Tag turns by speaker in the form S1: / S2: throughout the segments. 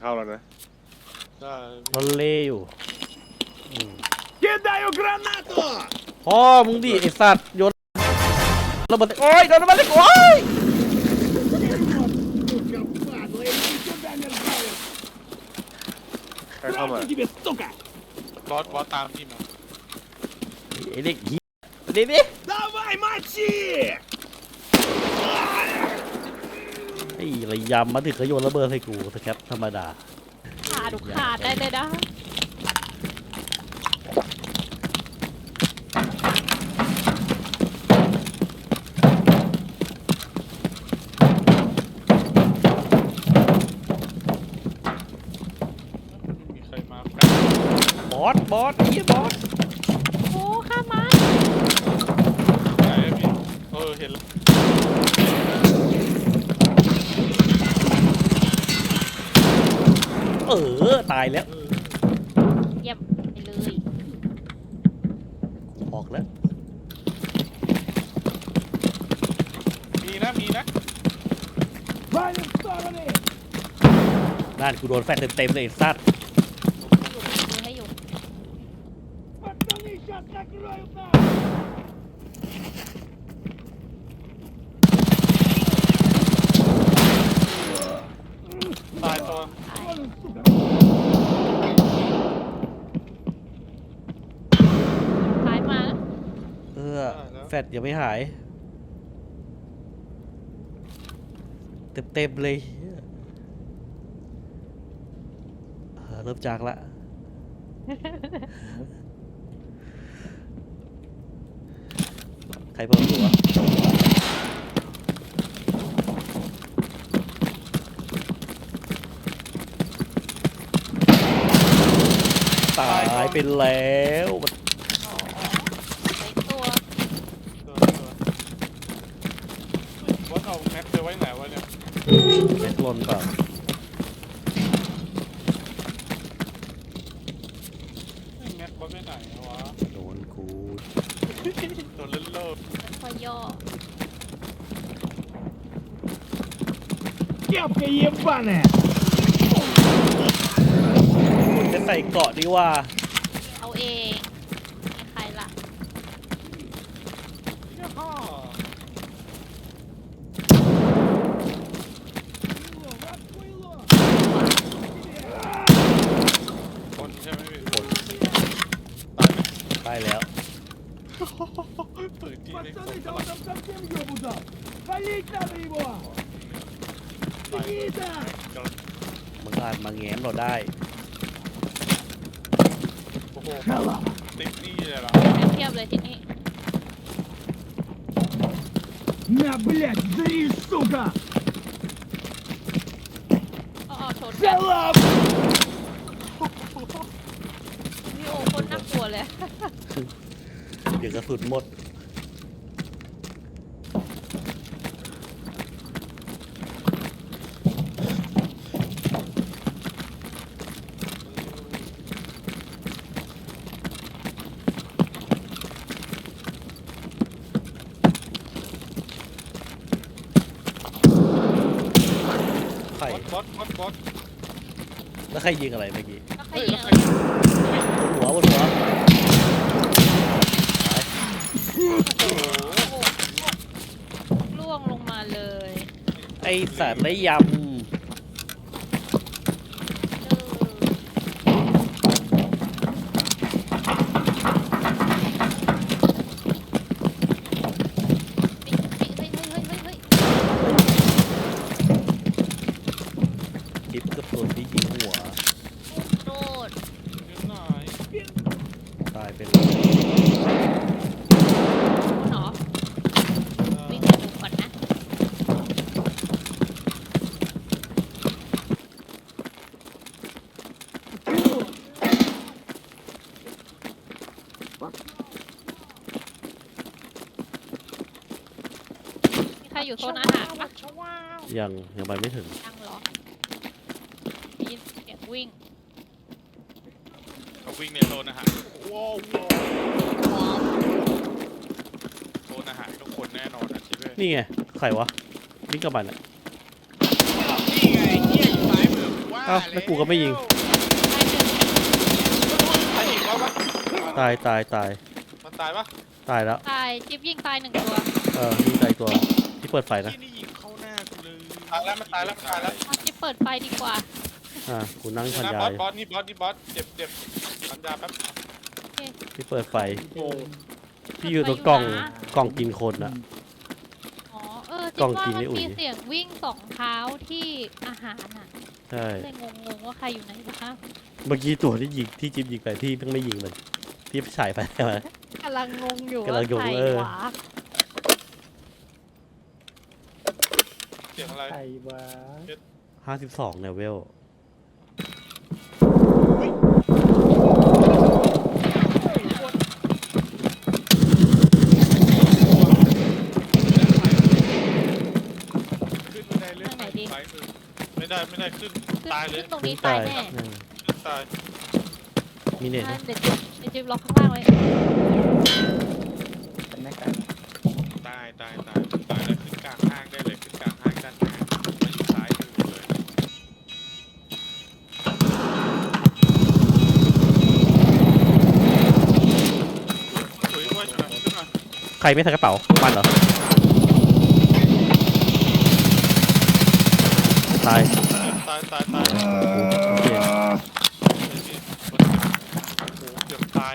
S1: เข้าแล้วนะ
S2: มันเล่อยู่พ่อมึงดิไอสัตว์โยนระเบิดโอ้ยโดนระเบิดโอ้ย
S1: ใครเข้ามา
S3: บอสตามพี่มา
S2: ไอเด็กเหี้ยดิไอ้ระยำมาถึงเขาโยนระเบิดให้กูสแคปธรรมดา
S4: ขาดได้เลยนะ
S3: มีใครมา
S2: บอสไอ้บอส
S4: โอ้ข้ามา
S3: ไหนพี่เห็นแล้ว
S2: ตายแล้ว
S4: เยี่ยมไปเลย
S2: ออกแล้ว
S3: มีนะ
S2: นั่นกูโดนแฟนเต็มเลยไอ้สัตว์
S4: ดูให้อยู่
S3: ตายตัว
S4: ท้ายมา
S2: แฟดยังไม่หายเต็มเลยเริ่มจากละใครเพิ่มตัวตายไปแล้ว
S3: บอสเอาแม็กไปไว้ไหนวะเนี่ย
S2: แม็กลนเปล่า
S3: แม็กบอสไปไหนวะ
S2: โดนกู
S3: โดนเล่นโลด
S4: พอย่อ
S2: จะใส่เกาะดีว่า
S4: เอาเองใครล่ะ
S3: คนใช่ไหมพี่
S2: คนตายแล้ว
S3: ปืนที่ไม่ครบ
S2: มึงอาจมาแง้มเราได้
S3: โอ้โหติ๊กนี่เลยเหรอ
S4: เทียบเลยทีนี้
S5: На, блядь, зари, сука!
S4: ชนกันพี่โอคนน่ากลัวเลย
S2: เดี๋ยวกระสุนหมด
S3: บอส
S2: แล้วใครยิงอะไรเมื่อกี้
S4: แล้วใครยิง
S2: บนหัว
S4: ล่วงลงมาเลย
S2: ไอสัตว์ไรยทิปกับตัวที่ยิงหัว
S4: โดด
S2: ตายไปเลย
S4: หรอวิ่งไปดูก่อนนะมีใครอยู่โซนอาหารปะ
S2: ยังไปไม่ถึง
S4: ยังเหรอได้ยินเสียงวิ่ง
S3: เขาวิ่งในโซนอาหารว้าวโซนอาหารทุกคนแน่นอนนะชิเบ้
S2: นี่ไงใครวะวิ่งกับมันอ่ะ
S3: นี่ไงเหี้ยอยู่ซ้ายมือว่า
S2: เอ้าแล้วกูก็ไม่ยิง
S3: ใครยิงเราปะ
S2: ตาย
S3: มันตายปะ
S2: ตายแล้ว
S4: ตายจิ๊บยิงตาย1 ตัว
S2: ยิงตายตัวที่เปิดไฟนะ
S1: ที่นี่ยิงเข้าหน้ากูเลย
S3: ตายแล้วมันตายแล้วมันตายแล้ว
S4: เอาจิ๊บเปิดไฟดีกว่า
S2: กูนั่ง
S3: เดี๋ย
S2: พั
S3: วน นะ
S2: ยา
S3: บอส
S2: ย
S3: บอสนี่บอสนี่บอสเจ็บพันยาแป๊บ
S2: ที่เปิดไฟ
S5: โอ้
S2: พี่อยู่ตรงกล่องกินคนอะ
S4: อ๋อ
S2: กล้
S4: จิ๊บ
S2: อง
S4: ว่า
S2: กิน
S4: มั
S2: ไม่
S4: น
S2: อุ่ย
S4: มีเสียงวิ่ง2 เท้าที่อาหารอ่ะ
S2: ใช่
S4: เลยงงว่าใครอยู่ไหนนะคะ
S2: เมื่อกี้ตัวที่ยิงที่จิ๊บยิงไปพี่เพิ่งไม่ยิงมันพี่ฉายไปใช่ไหม
S4: กำลังงงอยู่
S2: กำลังงง
S4: ว่าใคร
S2: เออ
S4: หวา
S3: เสียงอะไร
S5: ใครวะ
S2: 52เนี่ยเวล
S1: ขึ้นบันไดเลื่อน
S4: ทางไหนดี
S1: ไปคือ
S3: ไม่ได้ขึ้น
S4: ขึ้น
S3: ตายเลย
S4: ขึ้นตรงนี้ตายแน่
S3: ขึ้นตาย
S2: มีเน็ต
S4: อ่ะ
S2: นะ
S4: เดี๋ยวจิ๊บล็อกข้างล่างไว้
S5: เป็นแม่กัน
S1: ตายแล้วขึ้นกลางห้างได้เลยขึ้นกลางห้างด้านหน้ามาอยู่ซ้ายมือเลย
S3: สวยว่าขึ้นมา
S2: ใครไม่ใส่กระเป๋ามันเหรอตาย
S3: ตาย
S2: โอเค
S3: โอ้โหเกือบตาย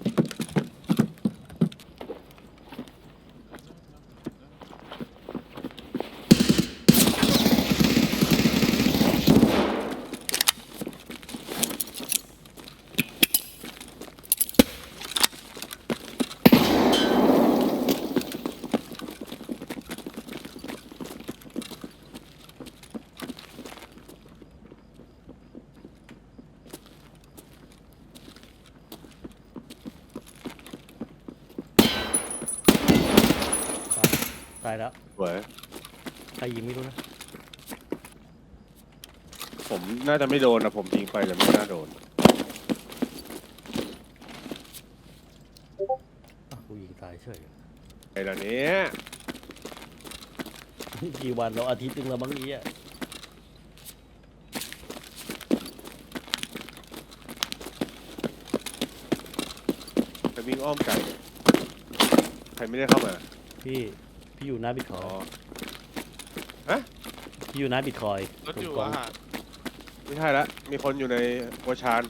S2: ตายแล้ว
S6: สวย
S2: ใครยิงไม่รู้นะ
S6: ผมน่าจะไม่โดนนะผมยิงไปแต่ไม่น่าโดน
S2: กูยิงตายเฉย
S6: ไอ้เหล่านี้
S2: กี่วันแล้วอาทิตย์นึงแล้วบางทีอะ
S6: ไปวิ่งอ้อมไก่ใครไม่ได้เข้ามา
S2: พี่อยู่หน้าบิตค
S6: อ๋
S2: อ
S6: อ
S2: ยพี่อยู่หน้าบิตคอย
S3: รถอยู่อาหาร
S6: ไม่ใช่ละมีคนอยู่ในโอชาน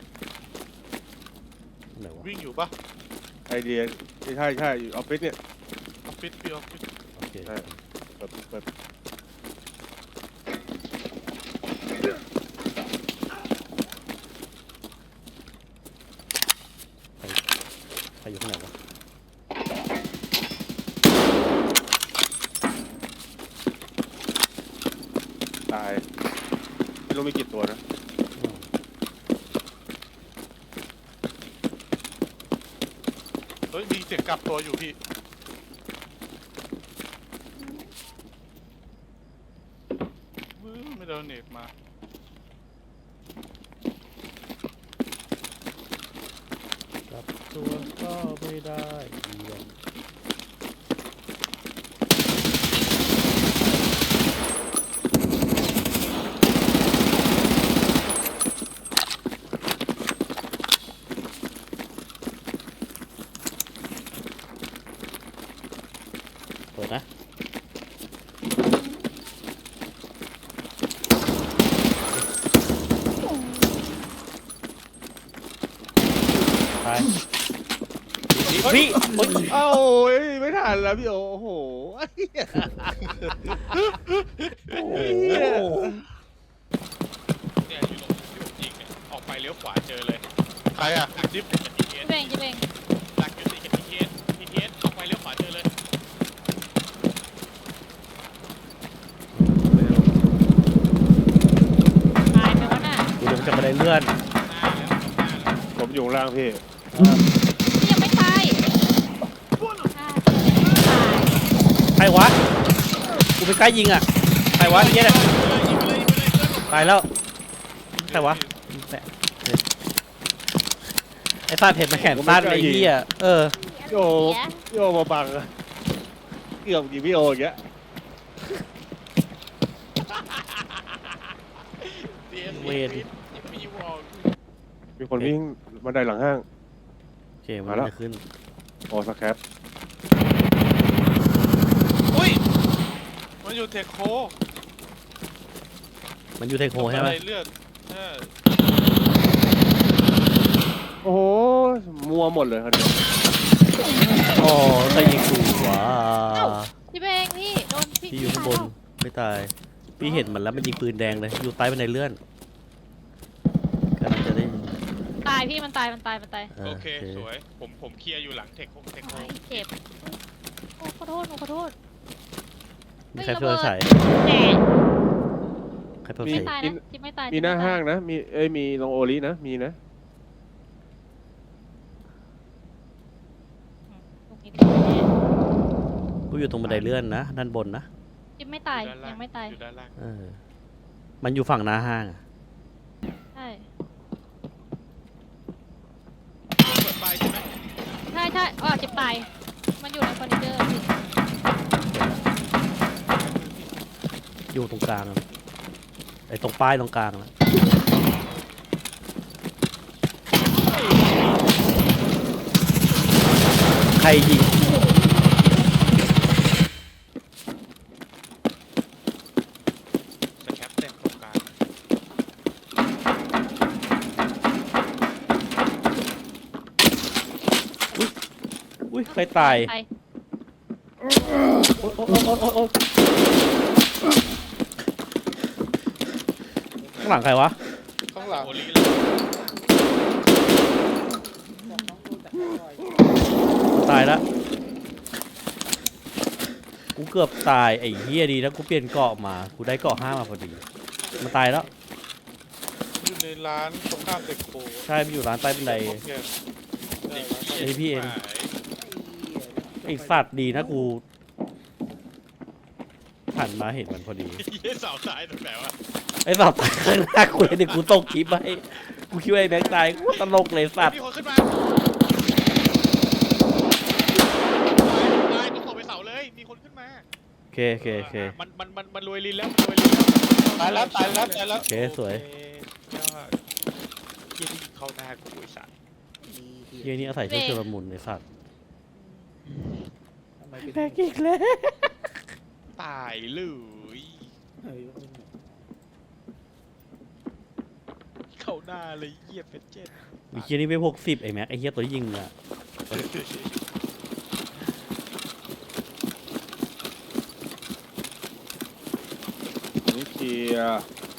S2: ไหนวะ
S3: วิ่งอยู่ปะ
S6: ไอเดียไม่ใช่อยู่ออฟฟิศเนี่ย
S3: ออฟฟิศพี่ออฟฟิศ
S2: โอเค
S6: ใช่ เปิด
S2: ใครอยู่ข้างไหนวะ
S6: ตายไม่รู้มีกี่ตัวนะ
S3: เฮ้ยมีเสียงกลับตัวอยู่พี่ไม่โดนเน็ตมา
S2: กลับตัวก็ไม่ได้เยี่ยม เปิดนะไปพี่โอ๊ย
S6: เอ้าไม่ทันแล้วพี่โอ้โห
S2: โอ้โห
S1: เนี่ยอยู่ตรงที่ผมยิงเนี่ยออกไปเลี้ยวขวาเจอเลย
S3: ใครอะจิ๊บ
S1: PTS
S4: จิ๊บเองจิ๊บเอง
S1: ดักอยู่ติดกับ PTS ออกไปเลี้ยวขวาเจอเลย
S4: ตายไปวะน่ะ
S2: กูจะมาได้เลื่อน
S1: หน้าแล้วหน้าแล้ว
S6: ผมอยู่ข้างล่างพี่
S4: นี่ยังไม่ตายอ่าตาย
S2: ใครวะ กูไปใกล้ยิงอ่ะ ใครวะไอ้เหี้ยเนี่ยตายแล้ว ใครวะแปะไอ้ฟาดเผ็ดมาแขนสั้นไอ้เหี้ยเออ
S6: พี่โอพี่โอมาบังอะเกือบยิงพี่โออย่างเงี้ย
S1: เสียง
S2: เวท
S3: ยังมีวอล
S6: มีคนวิ่งบันไดหลังห้าง
S2: โอเคมัน
S6: มาแล้ว
S2: จะขึ้น
S6: โอ้สแครป
S3: อุ้ยมันอยู่เทคโค
S2: มันอยู่ไทโคใช่ไหม
S3: อะไรเลือดเออ
S6: โอ้โหมัวหมดเลยครับเนี่ย
S2: อ๋อใครยิงกูวะ
S4: พี่เบงพี่โดนพี่
S2: พี่อยู่ข้างบนไม่ตายพี่เห็นมันแล้วมันยิงปืนแดงเลยอยู่ใต้บันไดเลื่อนกำลังจะได้
S4: ตายพี่มันตาย
S1: โอเคสวยผมเคลียร์อยู่หลังเทคโฮ
S4: โอ้ยเจ็บโอ้ขอโทษหนูขอโทษ
S2: มีใครเพิ่มใส่
S4: แหม
S2: ใครเพิ่ม
S4: ไม่
S2: ใส่
S4: ตายนะจิ๊บไม่ตาย
S6: มีหน้า
S4: จิ๊บไม่ตย
S6: ห้างนะมีมีลงโอลินะมีนะ
S4: ตรงนี้ตายแน่
S2: กูอยู่ตรงบันไดเลื่อนนะด้านบนนะ
S4: จิ๊บไม่ตายยังไม่ตาย
S1: อยู่ด้านล่าง
S2: มันอยู่ฝั่งหน้าห้างอะ
S4: ใช่
S1: เปิดไฟใช่ไหม
S4: ใช่อ๋อจิ๊บตายมันอยู่ในเฟอร์นิเจอร์พี่
S2: อยู่ตรงกลางอะไอ้ตรงป้ายตรงกลางนะใครยิง
S1: สแคปเต็มตรงกลาง
S2: อุ้ยใครตาย
S4: ตาย
S2: โอ๊ยโอ๊ยโอ๊ยโอ๊ยโอ๊ยข้างหลังใครวะ
S3: ข้างหลัง
S1: โอลีเลย
S2: ตายแล้วกูเกือบตายไอ้เหี้ยดีแล้วกูเปลี่ยนเกราะมากูได้เกราะ5มาพอดีมันตายแล้ว
S3: อยู่ในร้านตรงข้ามเทคโค
S2: ใช่มันอยู่ร้านใต้บันได
S3: โอเค
S2: ไอ้พี่เอง
S1: หาย
S2: ไอ้สัตว์ดีนะกูหันมาเห็นมันพอดี
S1: เหี้ยเสาตายตรงไหนวะ
S2: ไอ้สัตว์ตายข้างหน้ากูเลยเดี๋ยวกูตกคลิปไปกูคิดว่าไอ้แบงค์ตายกูตลกเลยสัตว์
S1: มีคนขึ้นมาตายก็ส่งไปเสาเลยมีคนขึ้นมา
S2: โอเคโอเคโอเค
S1: มันรวยลินแล้วรวยลินแล้ว
S3: ตายแล้ว
S2: โอเคสวย
S1: ยอดเยี่ยที่ยิงเข้าหน้ากูไอ้สัตว์
S2: เฮียนี่อาศัยช่วยชลมุนไอ้สัตว์แบกอีกแล้ว
S1: ตายเลยเข้าหน้าเลยเยี่ยเป็นเจ็ด
S2: ไอ้เฮียนี่ไม่60ไอ้แม็กไอ้เฮียตัวที่ยิงมึงอะ
S6: นี่เคลียร์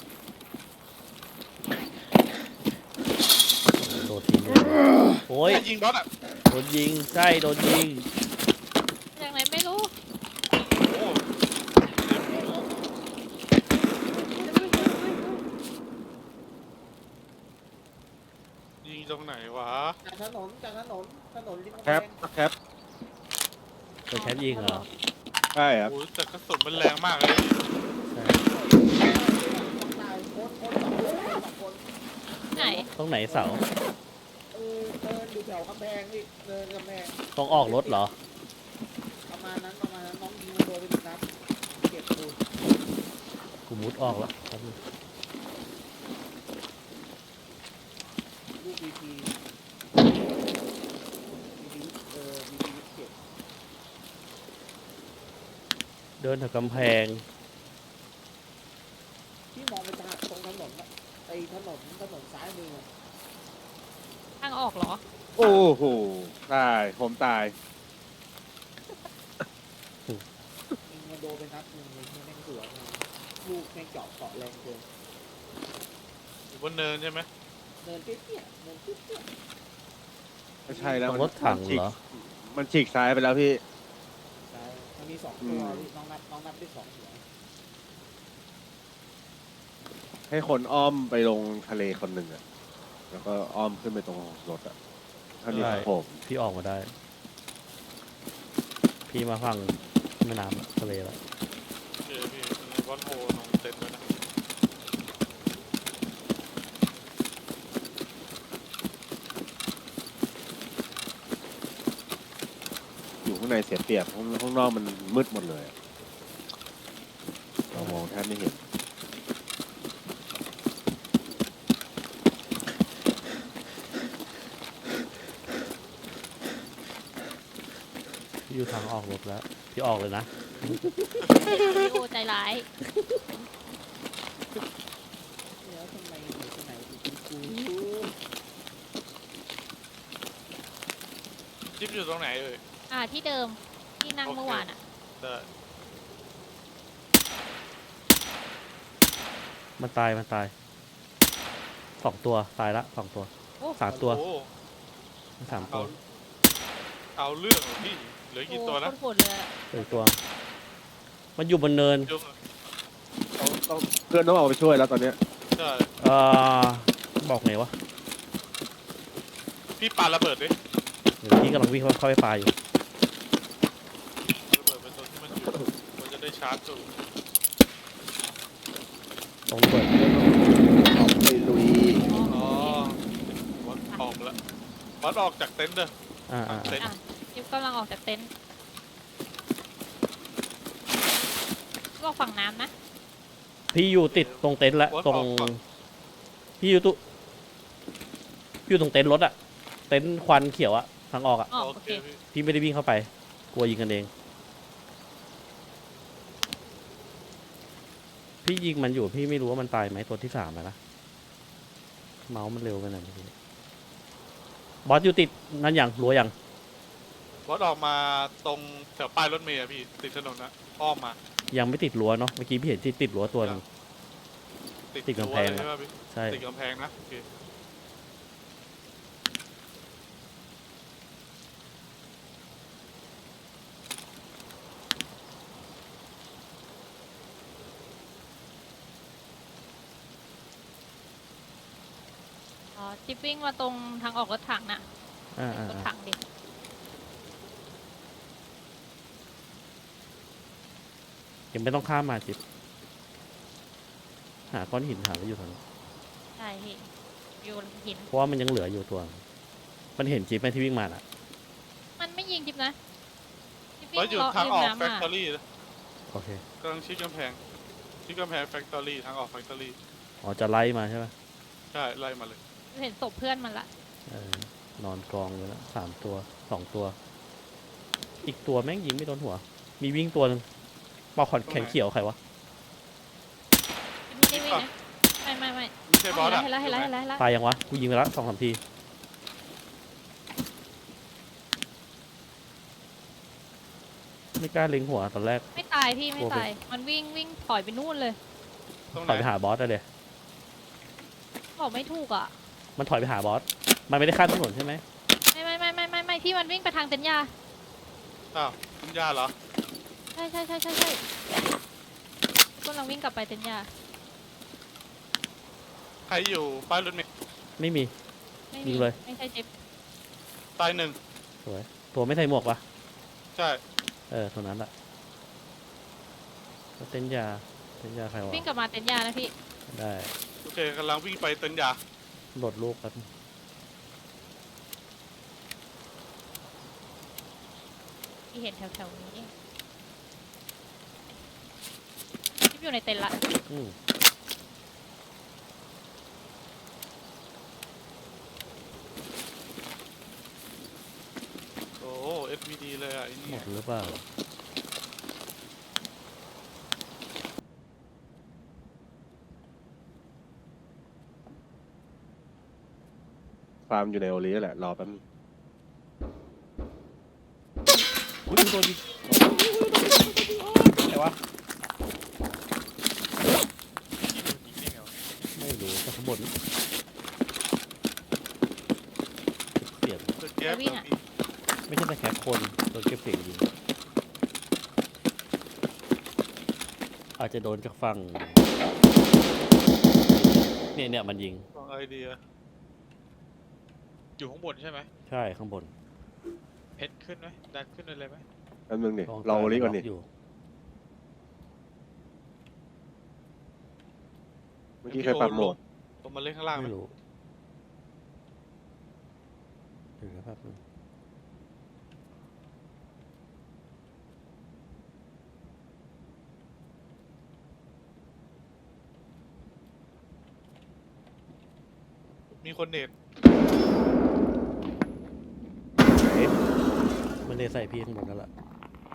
S2: โดนทิ้งเลยโอ้ย
S3: ยิงบอสอ่ะ
S2: โดนยิงใช่โดนยิง
S4: จากไหนไม่รู้
S3: โอ้ ยิงตรงไหนวะ
S7: จากถนนริม
S6: แคปแคป
S2: โดนแคปยิงเหรอ
S6: ใช่ครับ
S3: โอ้ยแต่กระสุนมันแรงมากเลย
S2: ใช่
S7: ตายโคตร2 คน
S4: ไหน
S2: ตรงไหนเสา
S7: เดินอยู่แถวกำแพงนี่เดินกำแพง
S2: ตรงออกรถเหรอ
S7: ประมาณนั้นน้องยิงมันโดนไป1 นัดเก็บปูน
S2: กูมุดออกแล้วแป๊บนึง
S7: ลูกบีบีเก็บ
S2: เดินแถวกำแพง
S7: ที่มองไปทางตรงถนนนะไอ้ถนนซ้ายมือ
S4: ทางออกเหรอ
S6: โอ้โหตายผมตาย
S7: ยิงมันโดนไปนัดนึงเลยแม่งสวนลูกแม่งเจาะแรงเกิน
S3: อยู่บนเนินใช่ไหม
S7: เดินเตี้ย
S6: ไม่ใช่แล้ว
S2: รถถังเหรอ
S6: มันฉีกซ้ายไปแล้วพี่
S7: ซ้ายมันมี2 ตัวน้องนับได้2 หัว
S6: ให้คนอ้อมไปลงทะเลคนหนึ่งอะแล้วก็อ้อมขึ้นไปตรงรถอะถ้ามี
S2: ได้
S6: ผม
S2: พี่ออกมาได้ พี่มาฝั่งแม่น้ำทะเลแล้ว
S3: โอเคพี่บอลโฮนองเต็มแล้วนะ
S6: อยู่ข้างในเสียเปรียบข้างนอกมันมืดหมดเลยอะเรามองแทบไม่เห็น
S2: ออกรถแล้วพี่ออกเลยนะ
S4: พี่โอใจร้าย
S7: แล้วทำไมหนูคนไหนถึงเป็นกู
S3: จิ๊บอยู่ตรงไหนเอ่ย
S4: ที่เดิมที่นั่งเมื่อวานอ่ะ
S3: ได้
S2: มันตาย2 ตัวตายละ2 ตัว
S4: โอ้
S2: 3 ตัว
S3: โอ้
S2: 3 ตัว
S3: เอาเรื่องเหรอพี่เหลือกี่ตัวนะ
S4: โคตรโหดเลยอะ
S2: 1 ตัว มันอยู่บนเนิน
S3: จุ๊บ
S6: ต้องเพื่อนต้องออกไปช่วยแล้วตอนเนี้ย
S3: ใช่
S2: เอ่อบอกไงวะ
S3: พี่ปาระเบิดดิ
S2: เดี๋ยวพี่กำลังวิ่งเข้าไปปลาอยู่
S3: ระเบิดเป็นตัวที่มันอยู่มันจะได้ชาร์จตัว
S2: ตรงระเบิด
S6: ออกไปลุย
S3: อ๋อวัดออกมาแล้ววัดออกจากเต็นท์เด้อ
S2: อ่า
S3: เต็นท์
S4: อ่ะจิ๊บกำลังออกจากเต็นท์ก็ฝั่งน้ำนะ
S2: พี่อยู่ติดตรงเต็นท์แล้ว
S3: วัด
S2: ตร
S3: อง อกฝั่ง
S2: พี่อยู่ตรงเต็นท์รถอะเต็นท์ควันเขียวอะทางออกอะ
S4: อ๋อ
S3: โอ
S4: โอ
S3: เค
S4: เค
S3: พี่
S2: พี่ไม่ได้วิ่งเข้าไป กลัวยิงกันเอง พี่ยิงมันอยู่พี่ไม่รู้ว่ามันตายไหมตัวที่ 3นะเมาส์มันเร็วไปหน่อยเมื่อกี้บอสอยู่ติดนั่นอย่างรั้วอย่าง
S3: วัดออกมาตรงแถวป้ายรถเมล์อะพี่ติดถนนนะอ้อมมา
S2: ยังไม่ติดรั้วเนาะเมื่อกี้พี่เห็นที่ติดรั้วตัวหนึง ติดกำแพง
S3: รั้วเลยใช่ไหมพี่
S2: ใช่
S3: ติดกำแพงนะโอเค
S4: อ๋อจิ๊บวิ่งมาตรงทางออกรถถังน่ะ
S2: อ่าร
S4: ถถังดิ
S2: ยังไม่ต้องข้ามมาจิบหาก้อนหินหาไว้อยู่ตรงนี้น
S4: ใช่พี่อยู่หิน
S2: เพราะว่ามันยังเหลืออยู่ตัว มันเห็นจิ๊บไหมที่วิ่งมาน่ะ
S4: มันไม่ยิงจิ๊บนะจิ๊บ
S3: วัด
S4: วิ่ง
S3: อยู่
S4: เลาะ
S3: ทาง
S4: ริม
S3: ออก
S4: น้ำ
S3: แฟค
S4: อ่ะ
S3: ทอรี่
S2: โอเค
S3: กำลังชิดกำแพงแฟคทอรี่ทางออกแฟคทอรี่
S2: อ๋อจะไล่มาใช่ไหม
S3: ใช่ไล่มาเลย
S4: เห็นศพเพื่อนมันละ
S2: นอนกองเลยนะ3 ตัว 2 ตัว อีกตัวแม่งยิงไม่โดนหัว มีวิ่งตัวหนึงปอกขอนแขนเขียวใครวะ
S4: จิ๊บไม่ได้วิ่งนะไม่
S3: ไม่ใช่บอสอะ
S4: เห็นแล้ว
S2: ตายยังวะ กูยิงไปแล้ว2-3 ที ไม่กล้าเล็งหัวตอนแรก
S4: ไม่ตายพี่ไม่ตาย มันวิ่งถอยไปนู่นเลย
S3: ตรงไห
S2: ถ
S3: น
S2: อยไปหาบอสได้เลย
S4: บอกไม่ถูกอ่ะ
S2: มันถอยไปหาบอส มันไม่ได้ข้ามถนนใช่ไหม
S4: ไม่ที่มันวิ่งไปทางเต็นท์ยา
S3: อ้าวคุณย่าเหรอ
S4: ใช่กำลังวิ่งกลับไปเต็นท์ยา
S3: ใครอยู่ป้ายรถเมล์
S2: ไม่มี
S4: ไม่
S2: ยิ
S4: มี
S2: งเลย
S4: ไม่ใช่จิ๊บ
S3: ตายหนึ่ง
S2: สวย ตัวไม่ใส่หมวกวะ
S3: ใช่
S2: ตัวนั้นแหละแล้วเต้นยาใครวะ
S4: วิ่งกลับมาเต็นท์ยานะพี่
S2: ได้
S3: โอเคกำลังวิ่งไปเต็นท์ยา
S2: โหลดลูกครับ
S4: ที่เห็นแถวๆนี้จิ๊บอยู่ในเต็นท์ละ
S2: อืม
S3: โอ้ SVD เลยอ่ะไอ้
S2: หม
S3: นี่
S2: ดหรือเปล่า
S6: ฟาร์มอยู่ในโอลีแหละ รอแป๊บนึง
S2: อุ้ยโดนยิงไหนวะ
S1: ที่โดนยิงได้ไงวะ
S2: ไม่รู้จากข้างบนเปลี่ยน
S3: เปิดแก๊สแบบนี้
S2: ไม่ใช่แต่แค่คนโดนเก็บเสียงยิงอาจจะโดนจากฝั่งเนี่ยมันยิง
S3: ลองไอเดีย
S1: อยู่ข้างบนใช่ไหม
S2: ใช่ข้างบน
S1: เพชรขึ้นไหมดันขึ้นเลยไหม
S6: แป๊บนึงดิ
S2: ลอง
S6: รอโอลีก่อนดิ
S2: อยู่
S6: เมื่อกี้เคยปรับโหมด
S3: ลงมาเล่นข้างล่างไหม
S2: ไม่รู้เดี๋ยวนะครับนึง
S3: มีคนเน็ต
S2: มันเลยใส่พี่ข้างบนนั่นแหละ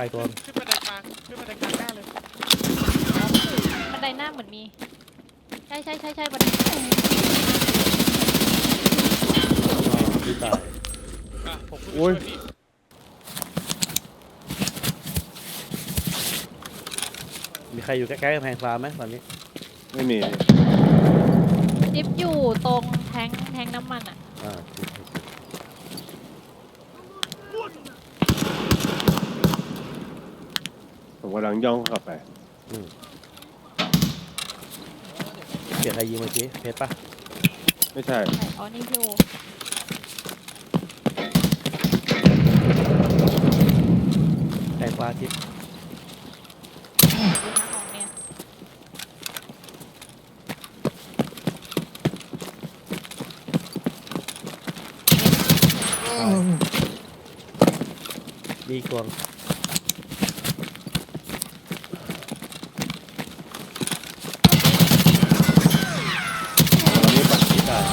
S2: ายตัว
S1: ขึ้นบันไดกลางขึ้นบันไดกลางหน้าเลย
S4: บันไดหน้าเหมือนมี ใช่บันได
S2: พี่ตาย
S1: อ่ะผมขึ้นไปช่วยพี่
S2: มีใครอยู่ใกล้ๆกำแพงฟ้าไหมตอนนี้
S6: ไม่มี
S4: จิ๊บอยู่ตรงแทงน้ำมันอ่ะ
S2: อ่า
S6: ผมกำลังย่องเข้าไป
S2: เสียงใครยิงเมื่อกี้เพชรปะ
S6: ไม่ใช่
S4: ใช่อ๋อนี่อยู่
S2: แพงฟ้าทิพย์
S4: ดูทางของเนี่ย
S2: มีกวง
S6: ตอนนี้ปัด
S2: พี่ตาย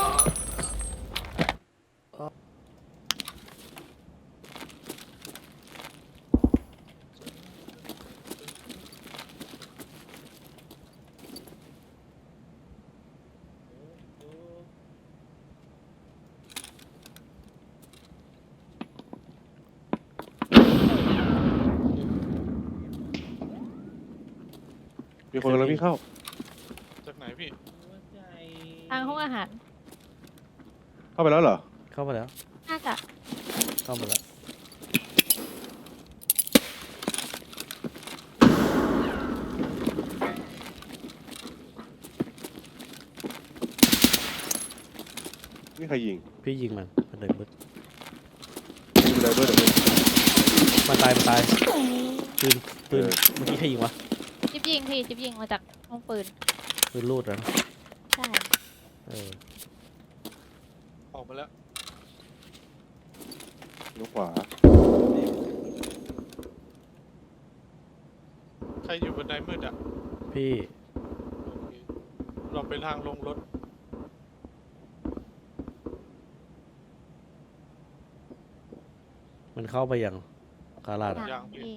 S6: มีคนกำลังวิ่งเข้า
S3: จากไหนพี่
S4: ทางห้องอาหาร
S6: เข้าไปแล้วเหรอ
S2: เข้ามาแล้ว
S4: น่าจะ
S2: เข้ามาแล้ว
S6: นี่ใครยิง
S2: พี่ยิงมันเลยบึ้ด
S6: ยิงไดเบอร์เดี๋ยว
S2: มันตายปืน
S6: เออ
S2: เมื่อกี้ใครยิงวะ
S4: จิ๊บยิงมาจากห้องปืน
S2: ปืนรูดแล้ว
S4: ใช่
S2: เออ
S3: ออกมาแล้ว
S6: ลูกขวา
S3: ใครอยู่บนไดมืดอ่ะ
S2: พี่
S3: โอเคเราไปทางลงรถ
S2: มันเข้าไปยังคาราดอะ
S4: ทางที่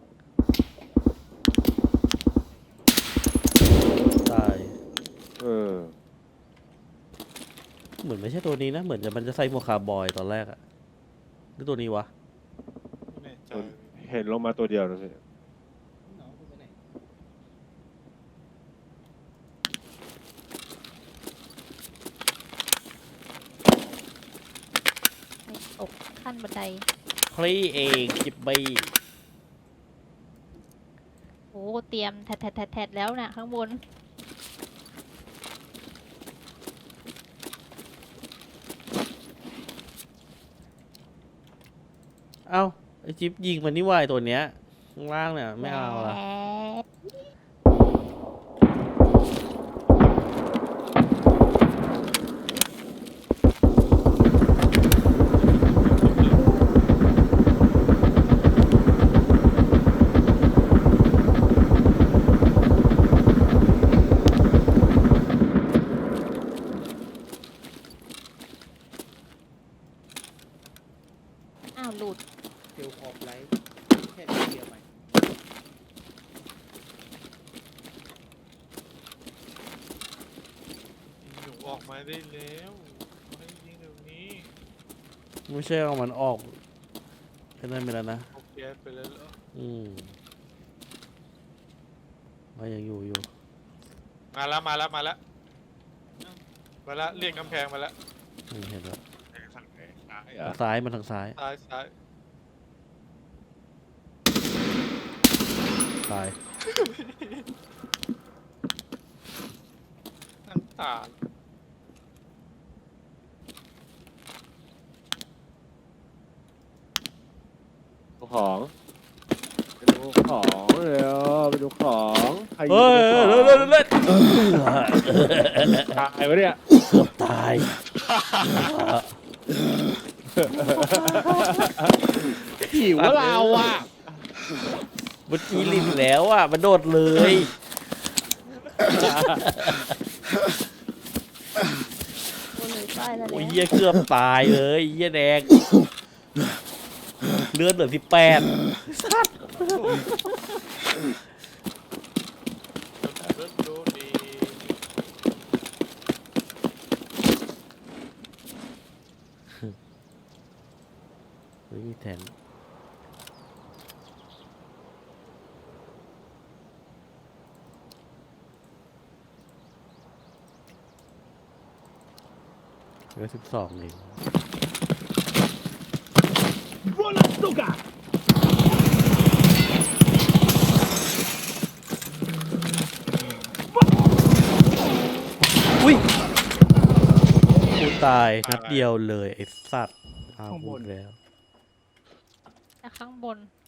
S2: ตาย
S6: เออ
S2: เหมือนไม่ใช่ตัวนี้นะ เหมือนมันจะใส่หมวกคาร์บอยตอนแรกอะหรือตัวนี้วะ
S3: ไม่แน่ใจ
S6: เห็นลงมาตัวเดียวนะพี่
S7: น้องคุณไปไหน
S4: ไม่ตกขั้นบันได
S2: พลีเองจิบบี้
S4: โอ้เตรียมแทดแล้วน่ะข้างบน
S2: เอ้าไอจิ๊บยิงมันนี่วายตัวเนี้ยข้างล่างเนี่ยไม่เอาละ
S4: แหม อ้าวหลุด
S7: เทลคอมไลท์แค่นี้เดียวไป
S3: หนูออกมาได้แล้วให้ยิงเดี๋ยวนี้
S2: ไม่ใช่เอามันออกแค่นั้นไปแล้วนะ
S3: โอเคไปแล้วเหรอ
S2: มันยังอยู่
S3: มาแล้วเรียกกำแพงมาแล้ว
S2: เห็นแล้ว
S6: ทางไหนซ้าย
S2: ทางซ้ายมันทางซ้าย
S3: ซ้าย
S2: ตาย
S3: นั่งตา
S6: ดูของไปดูของเร็วไปดูของใครยิง
S2: เฮ้ย
S6: ไปดู
S2: เลื
S6: ข
S2: อ
S6: อง
S2: ดเลือด
S6: ตายวะเนี่ย
S2: ตาย
S6: หิวเราอ่ะ
S2: เมื่อกี้ลิงแล้วอ่ะมันโดดเลย
S4: โอ้เลยตายแล้ว
S2: โอ้ย
S4: เนี่ย
S2: เหี้ยเกือบตายเลยเหี้ยแดงเลือดเหลือ18สัตว์
S3: ดูดี
S2: ไม่มีแทนเหลือ12เอง
S5: Вон, сука!
S2: อุ้ยกูตายนัดเดียวเลยไอ้สัตว์อ้าวพูดแล้ว
S4: แต่ข้างบน